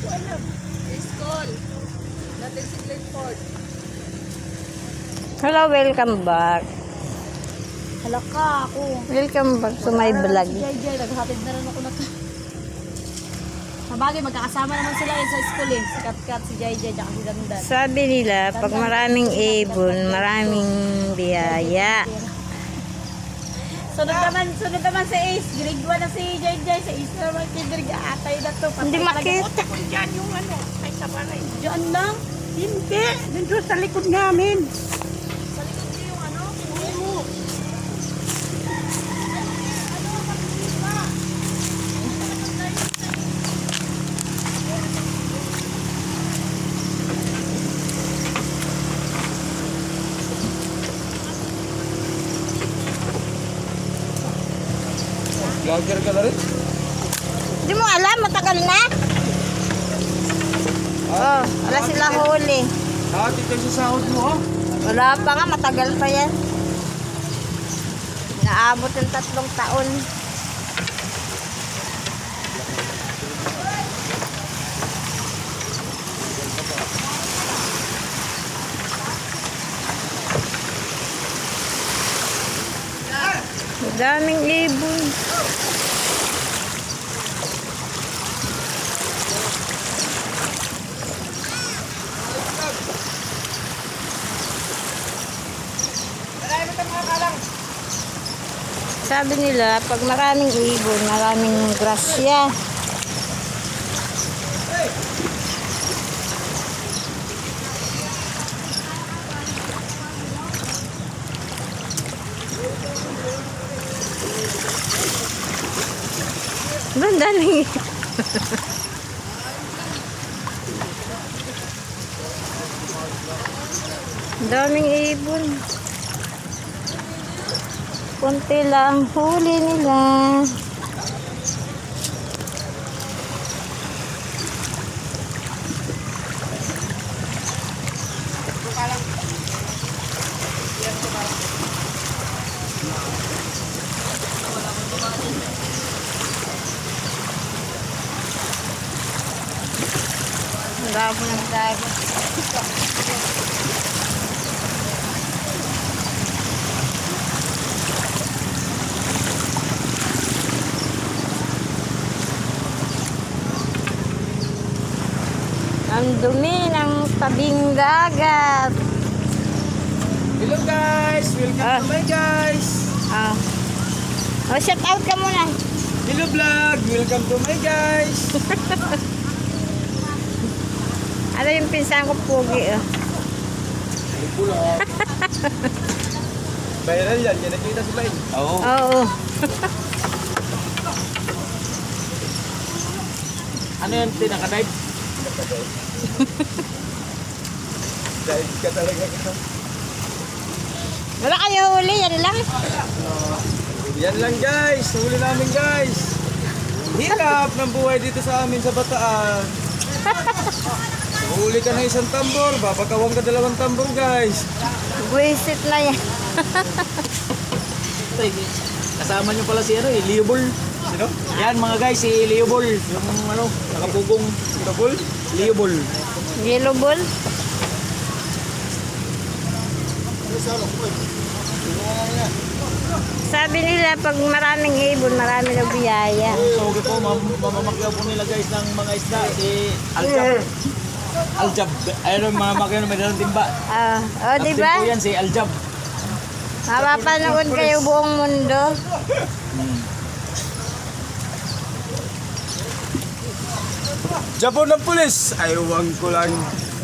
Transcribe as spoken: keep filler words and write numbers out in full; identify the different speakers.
Speaker 1: School. Natin si Glenford.
Speaker 2: Hello, welcome back.
Speaker 1: Hala ka ako.
Speaker 2: Welcome back to my vlog.
Speaker 1: Si Jai Jai, naghatid na rin ako na. Sabagay, magkakasama naman sila yun sa school eh. Si Kat Kat, si Jai Jai, tsaka si Dandan.
Speaker 2: Sabi nila, pag maraming ibon, maraming biyaya.
Speaker 1: Sunod naman, sunod naman si Ace. Grade one na si Jai Jai. Sa Ace naman, kinderg atay na to.
Speaker 2: Hindi makita.
Speaker 3: Kung dyan yung ano, ay sa balay.
Speaker 1: Diyan lang.
Speaker 3: Hindi, dito sa likod namin.
Speaker 1: Sa likod niyo yung ano, kuwi mo.
Speaker 4: Vlogger ka na rin?
Speaker 2: Hindi mo alam, matagal na. Oh, wala sila huli.
Speaker 4: Dati kayo sa sahod mo, ha?
Speaker 2: Wala pa nga, matagal pa yan. Naabot ng tatlong taon. Daming ibon. Sabi nila, pag maraming ibon, maraming grasya. Doon, daming daming ibon. Kunti lang huli nila. Bravo ng dagat. Ang dumi ng tabing dagat.
Speaker 4: Hello guys! Welcome
Speaker 2: Ah.
Speaker 4: to my guys!
Speaker 2: Ah. Oh, shout out ka muna.
Speaker 4: Hello vlog! Welcome to my guys!
Speaker 2: Ano yung pinsan ko, Pugi? Oh.
Speaker 4: Hello po lang. Viral yan, yan nakita si Bain. Oo.
Speaker 2: Oo.
Speaker 4: Ano yan, tinakadive? Dive ka talaga ka.
Speaker 2: Wala kayo huli, yan lang.
Speaker 4: Yan lang guys, huli namin guys. Hirap ng buhay dito sa amin sa Bataan. Huli ka na isang tambor, babagawang ka dalawang tambor guys.
Speaker 2: Buisit na yan.
Speaker 4: Kasama nyo pala si ano eh, Leobol. Sino? Yan mga guys, si Leobol. Yung ano, nakapugong Leobol. Leobol.
Speaker 2: Yellow ball. Sabi nila, pag maraming ibon, marami na biyaya.
Speaker 4: So, okay po, mam mamamakyaw po nila guys ng mga isda. Si Aljab. Aljab. Ayun mga makyaw na may dalang timba.
Speaker 2: Ah, oh, di
Speaker 4: Captain
Speaker 2: ba?
Speaker 4: po yan, si Aljab.
Speaker 2: Mapapanood kayo buong mundo.
Speaker 4: Jabon ng pulis! Aywan ko lang.